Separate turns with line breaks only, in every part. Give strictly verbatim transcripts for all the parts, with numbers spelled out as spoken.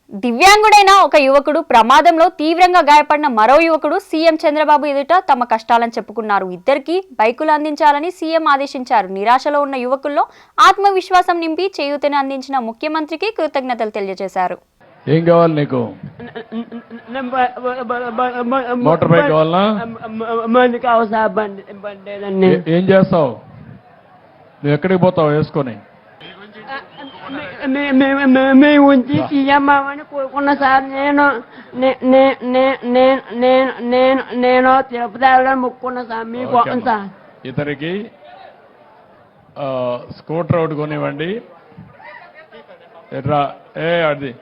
దివ్యాంగుడైన ఒక యువకుడు ప్రమాదంలో తీవ్రంగా గాయపడిన మరో యువకుడు సీఎం చంద్రబాబు ఎదుట తమ కష్టాలను చెప్పుకున్నారు. ఇద్దరికి బైకులు అందించాలని సీఎం ఆదేశించారు. నిరాశలో ఉన్న యువకుల్లో ఆత్మవిశ్వాసం నింపి చేయూతని అందించిన ముఖ్యమంత్రికి కృతజ్ఞతలు తెలియజేశారు.
ఏం కావాలి నీకు? మోటార్ బైక్ కావాలనా? ఏం చేస్తావు? నువ్వు ఎక్కడికి పోతావు వేసుకొని?
మేము ఉంచి తీయమ్మని కోరుకున్నా సార్. నేను నేను నేను తిరుపతి వెళ్ళడానికి మొక్కుకున్నా సార్. మీకు సార్
ఇతనికి స్కూటర్ ఒకటి కొనివ్వండి. ఎట్రా ఏ అది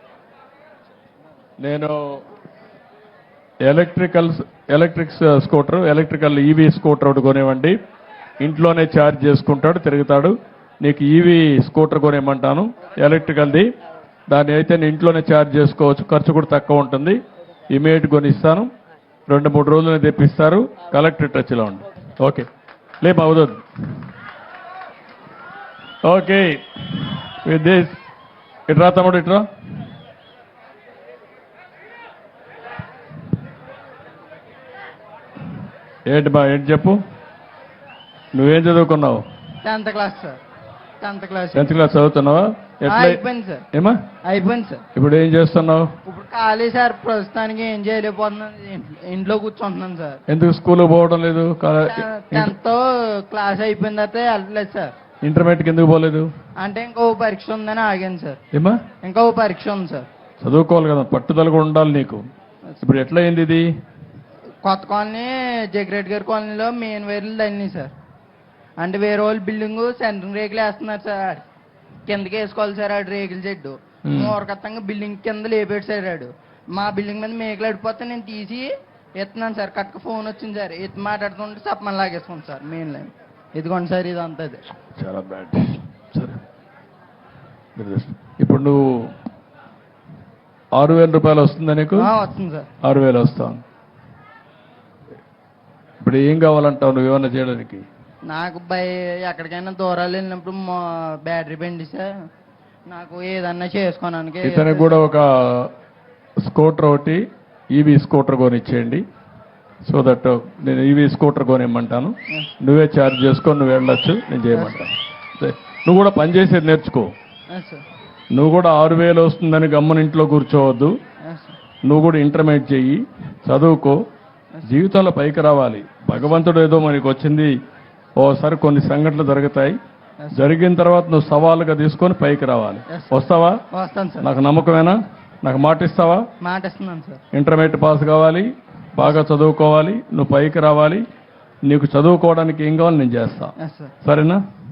నేను electrical electric scooter electrical EV scooter ఒకటి కొనివ్వండి. ఇంట్లోనే ఛార్జ్ చేసుకుంటాడు, తిరుగుతాడు. నీకు ఈవీ స్కూటర్ కొనేయమంటాను, ఎలక్ట్రికల్ది. దాన్ని అయితే నేను ఇంట్లోనే ఛార్జ్ చేసుకోవచ్చు, ఖర్చు కూడా తక్కువ ఉంటుంది. ఇమీడియట్ కొనిస్తాను, రెండు మూడు రోజులు తెప్పిస్తారు. కలెక్టర్ టచ్లో ఉండి. ఓకే లేమ అవుతుంది. ఓకే విత్ దిస్ ఇట్రా తమ్ముడు, ఇట్రా. ఏంటి బా ఏంటి చెప్పు, నువ్వేం చదువుకున్నావు?
Tenth class sir. Tenth class
tenth class చదువుతున్నావా? ఎట్లా
అయిపోయింది సార్.
ఏమా
అయిపోయింది సార్.
ఇప్పుడు ఏం చేస్తున్నావు?
ఇప్పుడు ఖాళీ సార్, ప్రస్తుతానికి ఏం చేయలేకపోతున్నాను, ఇంట్లో కూర్చుంటున్నాను సార్.
ఎందుకు స్కూల్కి పోవడం లేదు?
టెన్త్ క్లాస్ అయిపోయిన తర్వాత వెళ్ళలేదు సార్.
ఇంటర్మీడియట్కి ఎందుకు పోలేదు?
అంటే ఇంకో పరీక్ష ఉందని ఆగాను సార్.
ఏమా
ఇంకో పరీక్ష ఉంది సార్.
చదువుకోవాలి కదా, పట్టుదల కూడా ఉండాలి నీకు. ఇప్పుడు ఎట్లా అయింది ఇది?
కొత్త కాలనీ జగ్రెడ్ గారి కాలనీలో మెయిన్ వైర్లు తల్లినాయి సార్. అంటే వేరే వాళ్ళు బిల్డింగ్ సెంట్రింగ్ రేకులు వేస్తున్నారు సార్. కిందకి వేసుకోవాలి సార్ ఆడు రేకుల చెడ్డు. మూరకత్తంగా బిల్డింగ్ కింద లేపాడు సార్ ఆడు. మా బిల్డింగ్ మీద మేకలు అడిపోతే నేను తీసి ఎత్తున్నాను సార్. కక్క ఫోన్ వచ్చింది సార్, ఎత్తి మాట్లాడుతుంటే సప్పమని లాగేసుకోండి సార్ మెయిన్ లైన్. ఇదిగోండి సార్, ఇది అంతా
చాలా బ్యాడ్. సరే ఇప్పుడు నువ్వు ఆరు వేల రూపాయలు వస్తుందా నీకు?
వస్తుంది సార్.
ఆరు వేలు వస్తాను. ఇప్పుడు ఏం కావాలంటావు నువ్వు ఏమన్నా చేయడానికి?
నాకు బై ఎక్కడికైనా దూరాలు వెళ్ళినప్పుడు బ్యాటరీ బండి సార్, నాకు ఏదన్నా చేసుకోవడానికి.
ఇతనికి కూడా ఒక స్కూటర్ ఒకటి ఈవీ స్కూటర్ కొనిచ్చేయండి. సో దట్ నేను ఈవీ స్కూటర్ కొనిమ్మంటాను, నువ్వే ఛార్జ్ చేసుకొని నువ్వు వెళ్ళొచ్చు, నేను చేయమంటాను. నువ్వు కూడా పనిచేసేది నేర్చుకో. నువ్వు కూడా ఆరు వేలు వస్తుందని గమ్మని ఇంట్లో కూర్చోవద్దు. నువ్వు కూడా ఇంటర్మీడియట్ చెయ్యి, చదువుకో, జీవితంలో పైకి రావాలి. భగవంతుడు ఏదో మనకి వచ్చింది, ఓసారి కొన్ని సంఘటనలు జరుగుతాయి. జరిగిన తర్వాత నువ్వు సవాలుగా తీసుకొని పైకి రావాలి. వస్తావా?
వస్తాను సార్.
నాకు నమ్మకమేనా? నాకు మాట ఇస్తావా?
మాట ఇస్తున్నాను సార్.
ఇంటర్మీడియట్ పాస్ కావాలి, బాగా చదువుకోవాలి, నువ్వు పైకి రావాలి. నీకు చదువుకోవడానికి ఏం కావాలి నేను చేస్తా, సరేనా?